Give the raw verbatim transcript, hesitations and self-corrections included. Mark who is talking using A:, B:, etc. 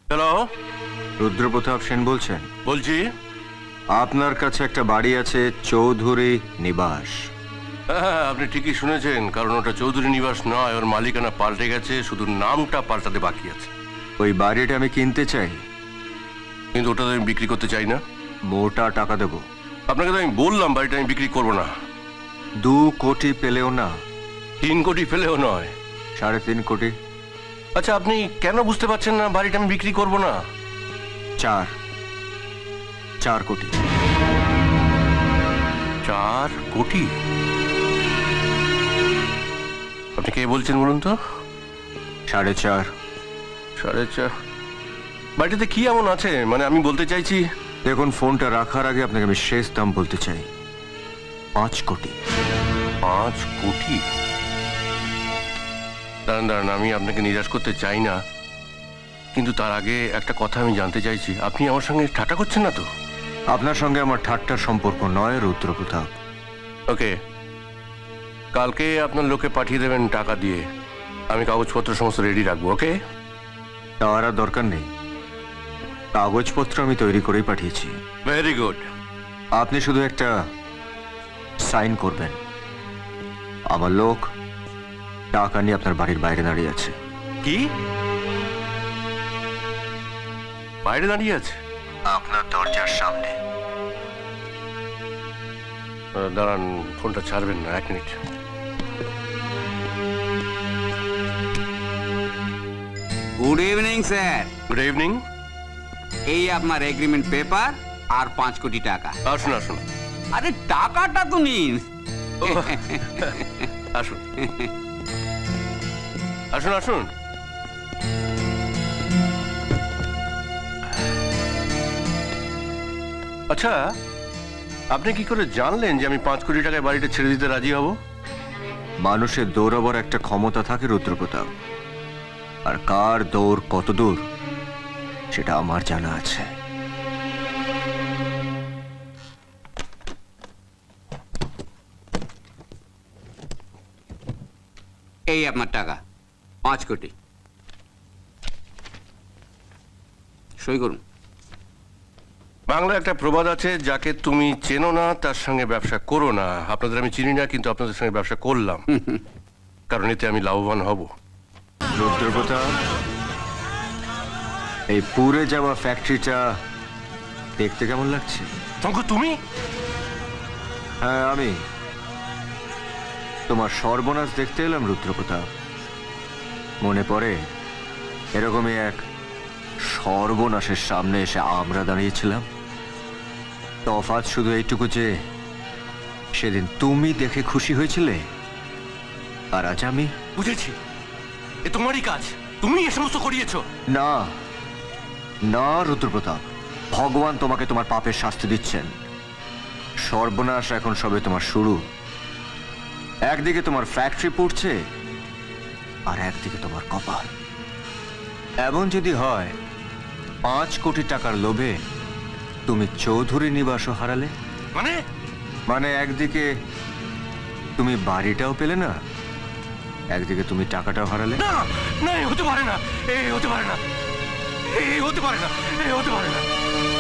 A: Hello,
B: Rudrapratap Sen বলছেন?
A: বলছি।
B: আপনার কাছে একটা বাড়ি আছে, চৌধুরী নিবাস।
A: হ্যাঁ, আপনি ঠিকই শুনেছেন, কারণ ওটা চৌধুরী নিবাস নয়, ওর মালিকানা পাল্টে গেছে, শুধু নামটা পাল্টাতে বাকি আছে।
B: ওই বাড়িটা আমি কিনতে চাই,
A: কিন্তু ওটা তো আমি বিক্রি করতে চাই না।
B: মোটা টাকা দেব।
A: আপনাকে তো আমি বললাম বাড়িটা আমি বিক্রি করবো না।
B: দু কোটি পেলেও না,
A: তিন কোটি ফেলেও নয়।
B: সাড়ে তিন কোটি।
A: আচ্ছা, আপনি কেন বুঝতে পারছেন না বাড়িটা আমি বিক্রি করবো না?
B: চার চার কোটি।
A: চার কোটি? আপনি কে বলছেন বলুন তো?
B: সাড়ে চার।
A: সাড়ে চার? বাড়িটাতে কি এমন আছে, মানে আমি বলতে চাইছি।
B: দেখুন, ফোনটা রাখার আগে আপনাকে আমি শেষ দাম বলতে চাই, পাঁচ কোটি।
A: পাঁচ কোটি? দাঁড়ান দাঁড়ান, আমি আপনাকে নিরাশ করতে চাই না, কিন্তু তার আগে একটা কথা আমি জানতে চাইছি, আপনি আমার সঙ্গে ঠাট্টা করছেন না তো?
B: আপনার সঙ্গে আমার ঠাট্টার সম্পর্ক নয় রুদ্রপ্রতাপ।
A: ওকে, কালকে আপনার লোকে পাঠিয়ে দেবেন টাকা দিয়ে, আমি কাগজপত্র সমস্ত রেডি রাখবো। ওকে?
B: তার আর দরকার নেই, কাগজপত্র আমি তৈরি করেই পাঠিয়েছি।
A: Very good.
B: আপনি শুধু একটা সাইন করবেন, আমার লোক টাকা নিয়ে আপনার বাড়ির বাইরে দাঁড়িয়ে আছে।
A: কি? বাইরে দাঁড়িয়ে আছে?
B: আপনার দরজার সামনে।
A: আহ, দাঁড়ান, ফোনটা ছাড়বেন না, এক minute.
C: Good evening sir.
A: Good evening.
C: এই আপনার এগ্রিমেন্ট পেপার আর পাঁচ কোটি টাকা।
A: আসুন আসুন
C: আরে টাকাটা তো নিন।
A: ও, আসুন আসুন আসুন। আচ্ছা, আপনি কি করে জানলেন যে আমি পাঁচ কোটি টাকায় বাড়িটা ছেড়ে দিতে রাজি হব?
B: মানুষের দৌড়াবার একটা ক্ষমতা থাকে রুদ্রপ্রতাপ, আর কার দৌড় কত দূর সেটা আমার জানা আছে।
C: এই আপনার টাকা পাঁচ কোটি, সই করুন।
A: বাংলায় একটা প্রবাদ আছে, যাকে তুমি চেনো না তার সঙ্গে ব্যবসা করো না। আপনাদের আমি চিনি না, কিন্তু আপনাদের সঙ্গে ব্যবসা করলাম, কারণ এতে আমি লাভবান হব।
B: রুদ্রপ্রতাপ, এই পুড়ে যাওয়া ফ্যাক্টরিটা দেখতে কেমন লাগছে?
A: শঙ্কর, তুমি?
B: হ্যাঁ, আমি তোমার সর্বনাশ দেখতে এলাম রুদ্রপ্রতাপ। মনে পড়ে এরকমই এক সর্বনাশের সামনে এসে আমরা দাঁড়িয়েছিলাম। তফাৎ শুধু এইটুকু যে সেদিন তুমি দেখে খুশি হয়েছিলে, আর আজ আমি।
A: বুঝেছি, এ তোমারই কাজ, তুমি এ সমস্ত করিয়েছো।
B: না না রুদ্রপ্রতাপ, ভগবান তোমাকে তোমার পাপের শাস্তি দিচ্ছেন। সর্বনাশ এখন সবে তোমার শুরু। একদিকে তোমার ফ্যাক্টরি পড়ছে, আর একদিকে তোমার কপাল। এমন যদি হয় পাঁচ কোটি টাকার লোভে তুমি চৌধুরী নিবাসও হারালে,
A: মানে?
B: মানে একদিকে তুমি বাড়িটাও পেলে না, একদিকে তুমি টাকাটাও হারালে।
A: না না, এ হতে পারে না, এ হতে পারে না, এ হতে পারে না, এ হতে পারে না।